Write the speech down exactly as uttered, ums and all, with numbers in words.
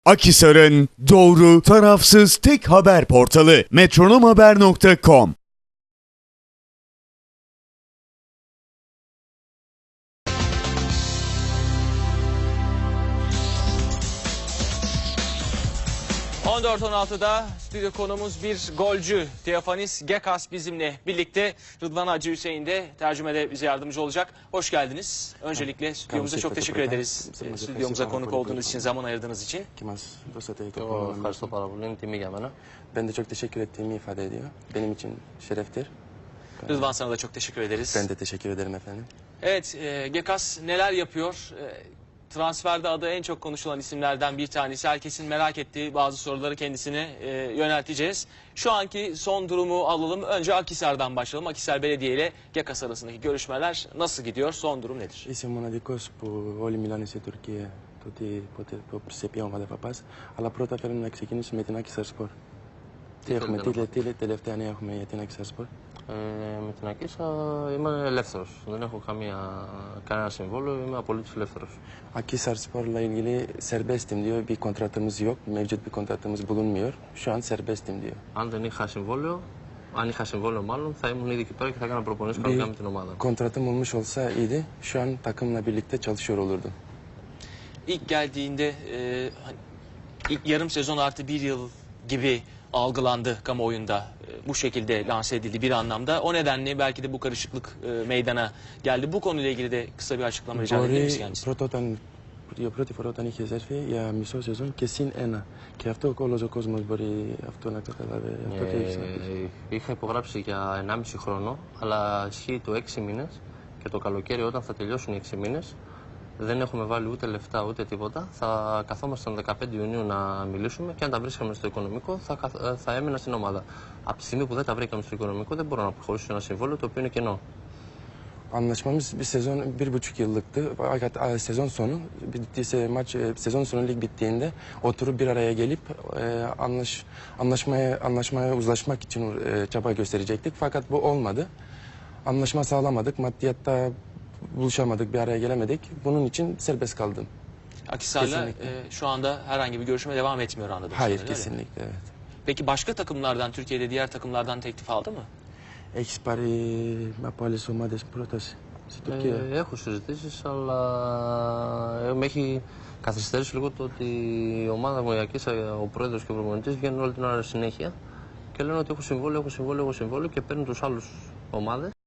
Akhisar'ın doğru, tarafsız tek haber portalı metronomhaber nokta com. on dört on altıda stüdyo konumuz bir golcü Theofanis Gekas bizimle birlikte. Rıdvan Hacı Hüseyin de tercümede bize yardımcı olacak. Hoş geldiniz. Öncelikle stüdyomuza çok teşekkür ederiz. Stüdyomuza konuk olduğunuz için, zaman ayırdığınız için. O ευχαριστώ πάρα πολύ. Είναι τιμή για μένα. Ben de çok teşekkür ettiğimi ifade ediyor. Benim için şereftir. Rıdvan, sana da çok teşekkür ederiz. Ben de teşekkür ederim efendim. Evet, e, Gekas neler yapıyor? E, transferde adı en çok konuşulan isimlerden bir tanesi. Herkesin merak ettiği bazı soruları kendisine e, yönelteceğiz. Şu anki son durumu alalım. Önce Akhisar'dan başlayalım. Akhisar Belediye ile Gekas arasındaki görüşmeler nasıl gidiyor? Son durum nedir? Είσαι ο μοναδικός που όλοι μιλάνε σε Τουρκία το ότι ποτέ, σε ποια ομάδα θα πας. Αλλά πρώτα θέλουμε να ξεκινήσουμε με την Akhisar Spor. Τι έχουμε, τι, τι, τι τελευταία νέα έχουμε για την Akhisar Spor. Ε, με την Ακίσα είμαι ελεύθερος. Δεν έχω καμία, κανένα συμβόλαιο, είμαι απολύτως ελεύθερος. Akhisar Spor'la ilgili serbestim diyor. Bir kontratımız yok. Mevcut bir kontratımız bulunmuyor. Şu an serbestim diyor. Αν δεν είχα συμβόλαιο, αν είχα συμβόλαιο μάλλον, θα ήμουν ήδη εκεί πέρα και θα έκανα προπονήσεις κανονικά με την ομάδα. Kontratım olmuş olsa iyiydi. Şu an takımla birlikte çalışıyor olurdum. İlk geldiğinde e, hani ilk yarım sezon artı bir yıl gibi algılandı kamuoyunda. E, bu şekilde lanse edildi bir anlamda. O nedenle belki de bu karışıklık e, meydana geldi. Bu konuyla ilgili de kısa bir açıklama rica edebilir miyiz Μπορεί kendisine? πρώτα όταν, για πρώτη φορά όταν είχες έρθει για μισό σεζόν και συν ένα. Και αυτό όλος ο κόσμος μπορεί αυτό να καταλάβει. Αυτό τι έχεις να πεις. Ε, είχα υπογράψει για ενάμιση χρόνο, αλλά ισχύει το έξι μήνες και το καλοκαίρι όταν θα τελειώσουν οι έξι μήνες δεν έχουμε βάλει ούτε λεφτά ούτε τίποτα. Θα καθόμασταν δεκαπέντε Ιουνίου να μιλήσουμε και αν τα βρίσκαμε στο οικονομικό θα, καθ- θα έμενα στην ομάδα. Από τη στιγμή που δεν τα βρήκαμε στο οικονομικό δεν μπορώ να προχωρήσω ένα συμβόλαιο το οποίο είναι κενό. Anlaşmamız bir sezon, bir buçuk yıllıktı. Fakat a, sezon sonu, bittiyse maç, e, sezon sonu lig bittiğinde oturup bir araya gelip e, anlaş, anlaşmaya, anlaşmaya uzlaşmak için e, çaba gösterecektik. Fakat bu olmadı. Anlaşma sağlamadık, maddiyatta buluşamadık, bir araya gelemedik. Bunun için serbest kaldım. Akhisar'la Kesinlikle. e, şu anda herhangi bir görüşme devam etmiyor anladım. Hayır, kesinlikle evet. Peki başka takımlardan, Türkiye'de diğer takımlardan teklif aldı mı? Έχεις πάρει από άλλες ομάδες πρόταση στην Τουρκία. Ε, έχω συζητήσεις, αλλά ε, με έχει καθυστερήσει λίγο το ότι η ομάδα μου, η Ακίσα, ο πρόεδρος και ο προπονητής βγαίνουν όλη την ώρα συνέχεια και λένε ότι έχω συμβόλαιο, έχω συμβόλαιο, έχω συμβόλαιο και παίρνουν τους άλλους ομάδες.